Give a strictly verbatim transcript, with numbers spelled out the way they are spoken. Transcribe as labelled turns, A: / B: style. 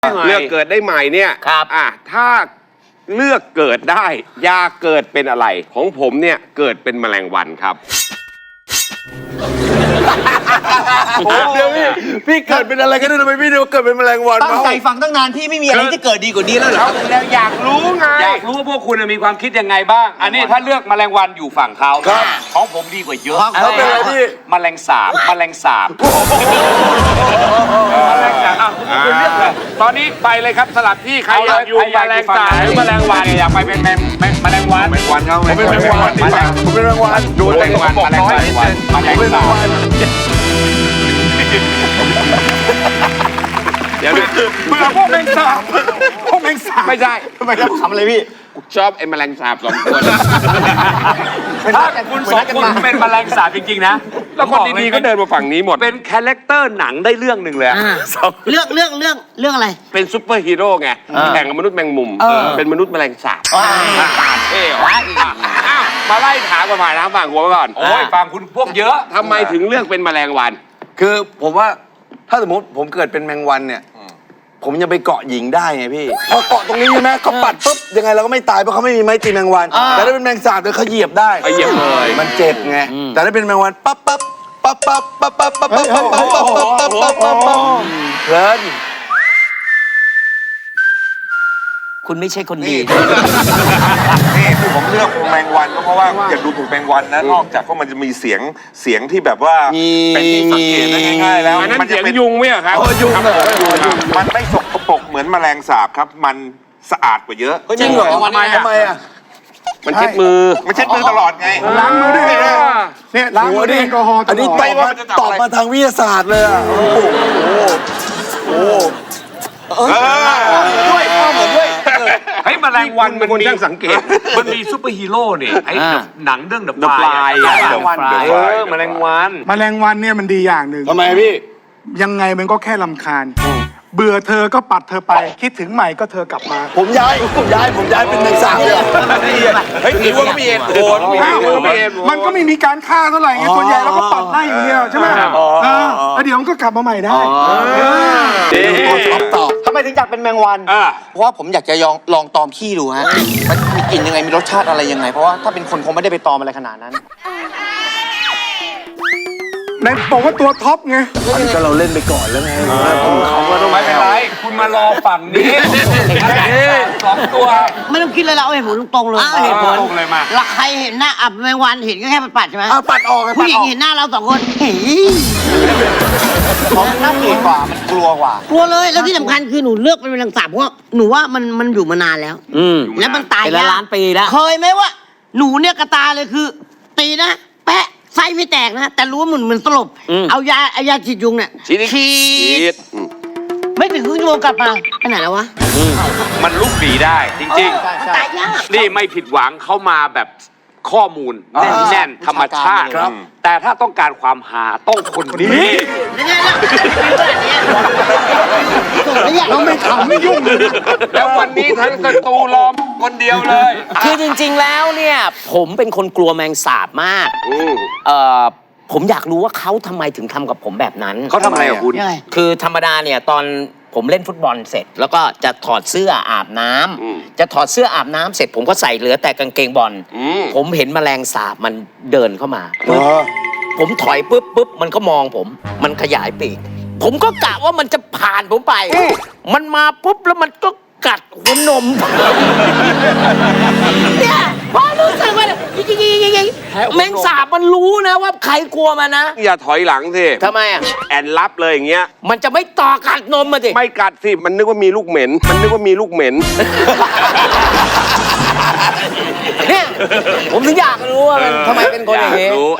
A: เลือกเกิดได้ใหม่เนี่ยครับอ่ะถ้าเลือกเกิดได้อยากเกิดเป็นอะไรของผมเนี่ยเกิดเป็นแมลงวันครับ
B: เดี๋ยวพี่พี่เกิดเป็นอะไรกันทำไมพี่เดี๋ยวเกิดเป็นแมลงวัน
C: ตั้งใจฟังตั้งนานพี่ไม่มีอะไรที่เกิดดีกว่านี้แล้วเหรอ
A: แล้วอยากรู้ไง
D: อยากรู้ว่าพวกคุณมีความคิดยังไงบ้างอันนี้ถ้าเลือกแมลงวันอยู่ฝั่งเขาของผมดีกว่าเยอะ
B: แล้วเป็นอะไรพี่
D: แมลงสาบแมลงสาบแมลงสาบอ่ะคุณเลือกเลยตอนนี้ไปเลยครับสลับที่ใครอยากอยู่แมลงสาบหรือแมลงวันอยากไปเป็นแมลงแมลงวันแมลงวันเขาผมเป็นแมลงวัน
B: ผมเป็นแมลงวัน
D: ดูแมลงวันแมลงวันแมลงสาบเดี๋ยวเมื่อพวกแมงสาบพวกแมงสาบไม่ใช่
C: ทำไมครับขำอะไรพี่
A: ชอบไอ้แมลงสาบสองตัว
D: ถ้าคุณสองคนเป็นแมลงสาบจริงๆนะ
A: แล้วคนดีๆก็เดินมาฝั่งนี้หมด
D: เป็นคาแรคเตอร์หนังได้เรื่องหนึ่งเลย
E: เรื่องเรื่องเรื่องเรื่องอะไร
A: เป็นซุปเปอร์ฮีโร่ไงแข่งกับมนุษย์แมงมุมเป็นมนุษย์แมลงสาบเท่หรออ้าวมาไล่ถามกันมานะฝั่งหัวก่อน
D: โอ้ยฟังคุณพวกเยอะ
A: ทำไมถึงเลือกเป็นแมลงวัน
B: คือผมว่าถ้าสมมติผมเกิดเป็นแมงวันเนี่ยผมยังไปเกาะหญิงได้ไงพี่พอเกาะตรงนี้ใช่ไหมเขาปัดปุ๊บยังไงเราก็ไม่ตายเพราะเขาไม่มีไม้ตีแมงวันแต่ถ้าเป็นแมงสาบเดี๋ยวเขาเหยียบได้
A: เหยียบเลย
B: มันเจ็บไงแต่ถ้าเป็นแมงวันปั๊บปั๊บปั๊บปั๊บปั๊บปั๊บปั๊บปั๊บปั๊บปั๊บปั๊บปั๊บปั๊บปั๊บปั๊บปั๊บเพลิน
E: คุณไม่ใช่คนดี
F: นี่คือผมเลือกแมงวันก็เพราะว่าอยากดูถูกแมงวันนะนอกจากว่ามันจะมีเสียงเสียงที่แบบว่าเป็นที่สังเกตได้ง่ายๆแล้ว
A: มันจะเป็นยุงไหมครับ
B: ยุงเลย
F: มันไม่สกปรกเหมือนแมลงสาบครับมันสะอาดกว่าเยอะ
B: จริงเหรอทำไมทำไมอ่ะ
A: มันเช็ดมือ
F: มันเช็ดมือตลอดไง
B: ล้างมือด้วยเนี่ยล้างมือด้วยแอลกอฮอล์อันนี้ตอบมาตอบมาทางวิทยาศาสตร์เลยอ่ะโอ้โหโอ้
D: ด้วยพ่อผมด้วยเฮ้ยแมลงวันมันมีสังเกตมันมีซูเปอร์ฮีโร่เนี่ยไอ้หนังเรื่องเดอะฟลายแมลงวันเออแมลงวัน
G: แมลงวันเนี่ยมันดีอย่างหนึ่ง
B: ทำไมพี่
G: ยังไงมันก็แค่รำคาญเบื่อเธอก็ปัดเธอไปคิดถึงใหม่ก็เธอกลับมา
B: ผมย้ายผมย้ายผมย้ายเป็นแมงสาบเลย
A: เฮ้ยถือว่าก็มีเหตุผล
G: มันก็ไม่มีการฆ่าเท่าไหร่ไงส่วนใหญ่เราก็ปัดได้อย่างเดียวใช่ไหมแล้วเดี๋ยวมันก็กลับมาใหม่ได้
C: ตอบทำไมถึงอยากเป็นแมงวันเพราะว่าผมอยากจะลองลองตอมขี้ดูฮะมันมีกลิ่นยังไงมีรสชาติอะไรยังไงเพราะว่าถ้าเป็นคนคงไม่ได้ไปตอมอะไรขนาดนั้น
G: ในบอกว่าตัวท็อปไง
B: ก็เราเล่นไปก่อนแล้วไง
D: เขาก็ต้องไม่เป็นไรคุณมารอฝั่งนี้สองตัว
E: ไม่ต้องคิดเลยเราเอาเหตุผลตรงๆเลย
D: เหตุผลตรงเลยมา
E: แล้วใครเห็นหน้าอับแมงวันเห็นก็แค่ปัดใช่ไหม
B: ปัดออก
E: ผู้หญิงเห็นหน้าเราสองคนเฮ้ย
C: เขาน่าเกลียดกว่ามันกลัวกว่าก
E: ลัวเลยแล้วที่สำคัญคือหนูเลือกเป็นแมลงสาบเพราะหนูว่ามันมันอยู่มานานแล้วแล้วมันตาย
C: ล้านปีแล้ว
E: เคยไหมว่าหนูเนี่ยกระตาเลยคือตีนะแปะไส้ไม่แตกนะแต่รู้ว่าเหมือนเหมือนสลบเอายาเอายาฉีดยุงเนี่ย
A: ฉีด
E: ไม่ถึงครึ่งชั่วโมงกลับมาไปไหนแล้ววะ
D: มันลุกหนีได้จริงๆนี่ไม่ผิดหวังเข้ามาแบบข้อมูลแน่นๆธรรมชาติแต่ถ้าต้องการความหาต้องคนนี้
E: ยังไงล่ะ
G: เราไม่ขำไม่ยุ่ง
A: แล้ววันนี้ทั้งสตูล้อมคนเดียวเลย
E: คือจริงๆแล้วเนี่ยผมเป็นคนกลัวแมงสาบมากเอ่อผมอยากรู้ว่าเขาทำไมถึงทำกับผมแบบนั้น
D: เขาทำอะไรกับคุณ
E: คือธรรมดาเนี่ยตอนผมเล่นฟุตบอลเสร็จแล้วก็จะถอดเสื้ออาบน้ำจะถอดเสื้ออาบน้ำเสร็จผมก็ใส่เหลือแต่กางเกงบอลผมเห็นแมลงสาบมันเดินเข้ามาผมถอยปุ๊บปุ๊บมันก็มองผมมันขยายปีกผมก็กะว่ามันจะผ่านผมไปมันมาปุ๊บแล้วมันก็กัดหัวนมเนี่ยพอรู้สึกว่าแมงสาบมันรู้นะว่าใครกลัวมันนะ
A: อย่าถอยหลังสิ
E: ทำไมอ่ะ
A: แอนรับเลยอย่างเงี้ย
E: มันจะไม่ต่อกัดนมมาสิ
A: ไม่กัดสิมันนึกว่ามีลูกเหม็นมันนึกว่ามีลูกเหม็น
E: เนี่ยผมถึงอยากรู้ว่ามันทำไมเป็นคนอย่างนี้